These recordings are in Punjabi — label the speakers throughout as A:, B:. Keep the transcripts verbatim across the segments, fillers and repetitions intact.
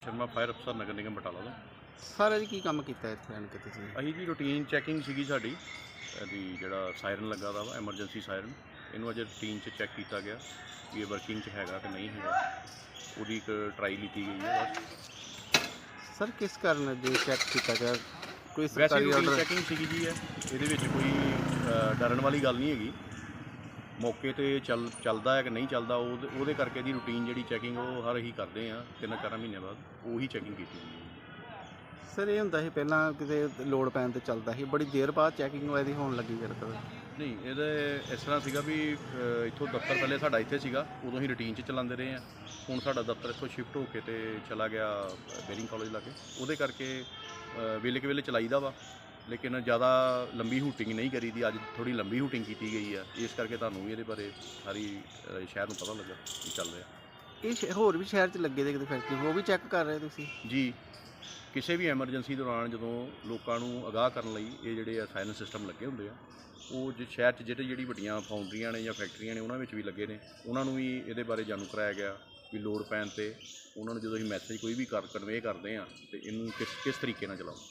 A: ਸ਼ਰਮਾ ਫਾਇਰ ਅਫਸਰ ਨਗਰ ਨਿਗਮ ਬਟਾਲਾ ਤੋਂ।
B: ਸਾਰਾ ਜੀ ਕੀ ਕੰਮ ਕੀਤਾ ਇੱਥੇ ਆਣ ਕੇ ਤੁਸੀਂ?
A: ਅਸੀਂ ਜੀ ਰੂਟੀਨ ਚੈਕਿੰਗ ਸੀਗੀ ਸਾਡੀ, ਇਹਦੀ ਜਿਹੜਾ ਸਾਇਰਨ ਲੱਗਾ ਦਾ ਵਾ ਐਮਰਜੈਂਸੀ ਸਾਇਰਨ, ਇਹਨੂੰ ਅਜੇ ਰੂਟੀਨ 'ਚ ਚੈੱਕ ਕੀਤਾ ਗਿਆ ਵੀ ਇਹ ਵਰਕਿੰਗ 'ਚ ਹੈਗਾ ਕਿ ਨਹੀਂ ਹੈਗਾ। ਉਹਦੀ ਇੱਕ ਟਰਾਈ ਲਿੱਤੀ ਗਈ ਹੈ ਬਸ।
B: ਸਰ ਕਿਸ ਕਾਰਨ ਜੇ ਚੈੱਕ ਕੀਤਾ ਗਿਆ? ਕੋਈ
A: ਵੈਸੇ
B: ਸਰਕਾਰੀ
A: ਰੂਟੀਨ
B: ਆਰਡਰ?
A: ਚੈਕਿੰਗ ਸੀਗੀ ਜੀ ਇਹ, ਇਹਦੇ ਵਿੱਚ ਕੋਈ ਅ, ਡਰਨ ਵਾਲੀ ਗੱਲ ਨਹੀਂ ਹੈਗੀ। ਮੌਕੇ 'ਤੇ ਚੱਲ ਚੱਲਦਾ ਹੈ ਕਿ ਨਹੀਂ ਚੱਲਦਾ, ਉਹਦੇ ਉਹਦੇ ਕਰਕੇ ਦੀ ਰੂਟੀਨ ਜਿਹੜੀ ਚੈਕਿੰਗ ਉਹ ਹਰ ਹੀ ਕਰਦੇ ਆ ਤਿੰਨ ਚਾਰ ਮਹੀਨਿਆਂ ਬਾਅਦ ਉਹੀ ਚੈਕਿੰਗ ਕੀਤੀ ਜਾਂਦੀ ਹੈ।
B: ਸਰ ਇਹ ਹੁੰਦਾ ਸੀ ਪਹਿਲਾਂ ਕਿਤੇ ਲੋਡ ਪੈਣ ਤੇ ਚੱਲਦਾ ਸੀ, ਬੜੀ ਦੇਰ ਬਾਅਦ ਚੈਕਿੰਗ ਇਹਦੀ ਹੋਣ ਲੱਗੀ ਫਿਰ ਕਦੇ?
A: ਨਹੀਂ, ਇਹਦੇ ਇਸ ਤਰ੍ਹਾਂ ਸੀਗਾ ਵੀ ਅ, ਇੱਥੋਂ ਦਫ਼ਤਰ ਪਹਿਲੇ ਸਾਡਾ ਇੱਥੇ ਸੀਗਾ, ਉਦੋਂ ਹੀ ਰੂਟੀਨ 'ਚ ਚਲਾਉਂਦੇ ਰਹੇ ਆ। ਹੁਣ ਸਾਡਾ ਦਫ਼ਤਰ ਇੱਥੋਂ ਸ਼ਿਫਟ ਹੋ ਕੇ ਤੇ ਚਲਾ ਗਿਆ ਬੇਰਿੰਗ ਕਾਲਜ ਲਾਗੇ, ਉਹਦੇ ਕਰਕੇ ਅ, ਵੇਲੇ ਕੁ ਵੇਲੇ ਚਲਾਈਦਾ ਵਾ, ਲੇਕਿਨ ਜ਼ਿਆਦਾ ਲੰਬੀ ਹੂਟਿੰਗ ਨਹੀਂ ਕਰੀਦੀ। ਅੱਜ ਥੋੜ੍ਹੀ ਲੰਬੀ ਹੂਟਿੰਗ ਕੀਤੀ ਗਈ ਆ, ਇਸ ਕਰਕੇ ਤੁਹਾਨੂੰ ਵੀ ਇਹਦੇ ਬਾਰੇ ਸਾਰੀ ਅ, ਸ਼ਹਿਰ ਨੂੰ ਪਤਾ ਲੱਗਾ ਕੀ ਚੱਲ ਰਿਹਾ।
B: ਇਹ ਸ਼ਹਿ- ਹੋਰ ਵੀ ਸ਼ਹਿਰ 'ਚ ਲੱਗੇ ਦੇ ਕਿਤੇ ਫੈਕਟਰੀ, ਉਹ ਵੀ ਚੈੱਕ ਕਰ ਰਹੇ ਤੁਸੀਂ?
A: ਜੀ, ਕਿਸੇ ਵੀ ਐਮਰਜੈਂਸੀ ਦੌਰਾਨ ਜਦੋਂ ਲੋਕਾਂ ਨੂੰ ਅਗਾਹ ਕਰਨ ਲਈ ਇਹ ਜਿਹੜੇ ਆ ਸਾਇਰਨ ਸਿਸਟਮ ਲੱਗੇ ਹੁੰਦੇ ਆ, ਉਹ ਜੇ ਸ਼ਹਿਰ 'ਚ ਜਿਹੜੇ ਜਿਹੜੀ ਵੱਡੀਆਂ ਫਾਊਂਡਰੀਆਂ ਨੇ ਜਾਂ ਫੈਕਟਰੀਆਂ ਨੇ ਉਹਨਾਂ ਵਿੱਚ ਵੀ ਲੱਗੇ ਨੇ, ਉਹਨਾਂ ਨੂੰ ਵੀ ਇਹਦੇ ਬਾਰੇ ਜਾਣੂ ਕਰਾਇਆ ਗਿਆ ਵੀ ਲੋੜ ਪੈਣ 'ਤੇ ਉਹਨਾਂ ਨੂੰ ਜਦੋਂ ਅਸੀਂ ਮੈਸੇਜ ਕੋਈ ਵੀ ਕਰ ਕਨਵੇ ਕਰਦੇ ਆ ਤੇ ਇਹਨੂੰ ਕਿਸ ਕਿਸ ਤਰੀਕੇ ਨਾਲ ਚਲਾਓ।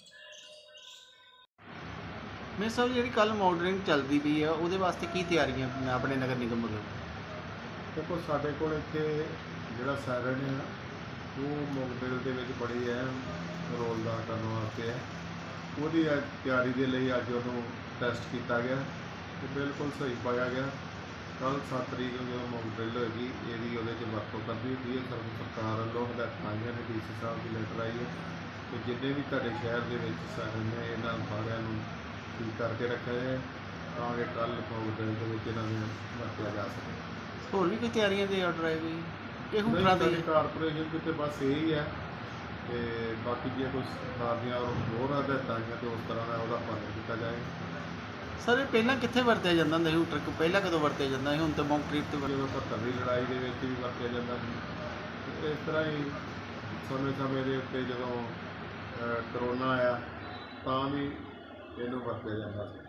B: ਮੈਂ ਸਰ ਜਿਹੜੀ ਕੱਲ ਮਾਡਲਿੰਗ ਚੱਲਦੀ ਪਈ ਆ ਉਹਦੇ ਵਾਸਤੇ ਕੀ ਤਿਆਰੀਆਂ ਆਪਣੇ ਨਗਰ ਨਿਗਮ ਵੱਲੋਂ?
C: ਦੇਖੋ, ਸਾਡੇ ਕੋਲ ਇੱਥੇ ਜਿਹੜਾ ਸਾਇਰਨ ਹੈ ਉਹ ਮੋਕਡਰਿਲ ਦੇ ਵਿੱਚ ਬੜੀ ਅਹਿਮ ਰੋਲ ਅਦਾ ਕਰਨ ਵਾਸਤੇ ਹੈ। ਉਹਦੀ ਅੱਜ ਤਿਆਰੀ ਦੇ ਲਈ ਅੱਜ ਉਹਨੂੰ ਟੈਸਟ ਕੀਤਾ ਗਿਆ ਤੇ ਬਿਲਕੁਲ ਸਹੀ ਪਾਇਆ ਗਿਆ। ਕੱਲ੍ਹ ਸੱਤ ਤਰੀਕ ਨੂੰ ਜਦੋਂ ਮੋਕਡਰਿਲ ਹੋਏਗੀ ਇਹਦੀ ਉਹਦੇ 'ਚ ਵਰਤੋਂ ਕਰਨੀ ਹੁੰਦੀ ਹੈ। ਸਰ ਸਰਕਾਰ ਵੱਲੋਂ ਹਦਾਇਤਾਂ ਆਈਆਂ ਨੇ, ਡੀ ਸੀ ਸਾਹਿਬ ਦੀ ਲੈਟਰ ਆਈ ਹੈ ਕਿ ਜਿੰਨੇ ਵੀ ਤੁਹਾਡੇ ਸ਼ਹਿਰ ਦੇ ਵਿੱਚ ਸਾਇਰਨ ਨੇ ਇਹਨਾਂ ਸਾਰਿਆਂ ਨੂੰ ਠੀਕ ਕਰਕੇ ਰੱਖਿਆ ਜਾਏ ਤਾਂ ਕਿ ਕੱਲ੍ਹ ਮੋਕਡਰਿਲ ਦੇ ਵਿੱਚ ਇਹਨਾਂ ਨੂੰ ਵਰਤਿਆ ਜਾ ਸਕੇ।
B: ਹੋਰ ਵੀ ਕੋਈ ਤਿਆਰੀਆਂ ਦੇ ਆਰਡਰ ਆਏ ਕੋਈ ਇਹ ਹੁਕਰਾਂ ਦੇ?
C: ਕਾਰਪੋਰੇਸ਼ਨ ਕਿਤੇ ਬਸ ਇਹੀ ਹੈ ਤੇ ਬਾਕੀ ਜੇ ਕੋਈ ਸਰਕਾਰ ਦੀਆਂ ਹੋਰ ਹਦਾਇਤਾਂ ਆਈਆਂ ਤੇ ਉਸ ਤਰ੍ਹਾਂ ਦਾ ਉਹਦਾ ਪਾਲਣ ਕੀਤਾ ਜਾਏ।
B: ਸਰ ਇਹ ਪਹਿਲਾਂ ਕਿੱਥੇ ਵਰਤਿਆ ਜਾਂਦਾ ਹੁੰਦਾ ਸੀ ਹੂਟਰ? ਪਹਿਲਾਂ ਕਦੋਂ ਵਰਤਿਆ ਜਾਂਦਾ ਸੀ? ਹੁਣ ਤਾਂ ਕੰਕਰੀਟ ਤੇ ਵਰ-
C: ਜਦੋਂ ਸੱਤਰ ਦੀ ਲੜਾਈ ਦੇ ਵਿੱਚ ਵੀ ਵਰਤਿਆ ਜਾਂਦਾ ਸੀ। ਤੇ ਇਸ ਤਰ੍ਹਾਂ ਹੀ ਸਮੇਂ ਸਮੇਂ ਦੇ ਉੱਤੇ ਜਦੋਂ ਅ, ਕਰੋਨਾ ਆਇਆ ਤਾਂ ਵੀ ਇਹਨੂੰ ਵਰਤਿਆ ਜਾਂਦਾ ਸੀ।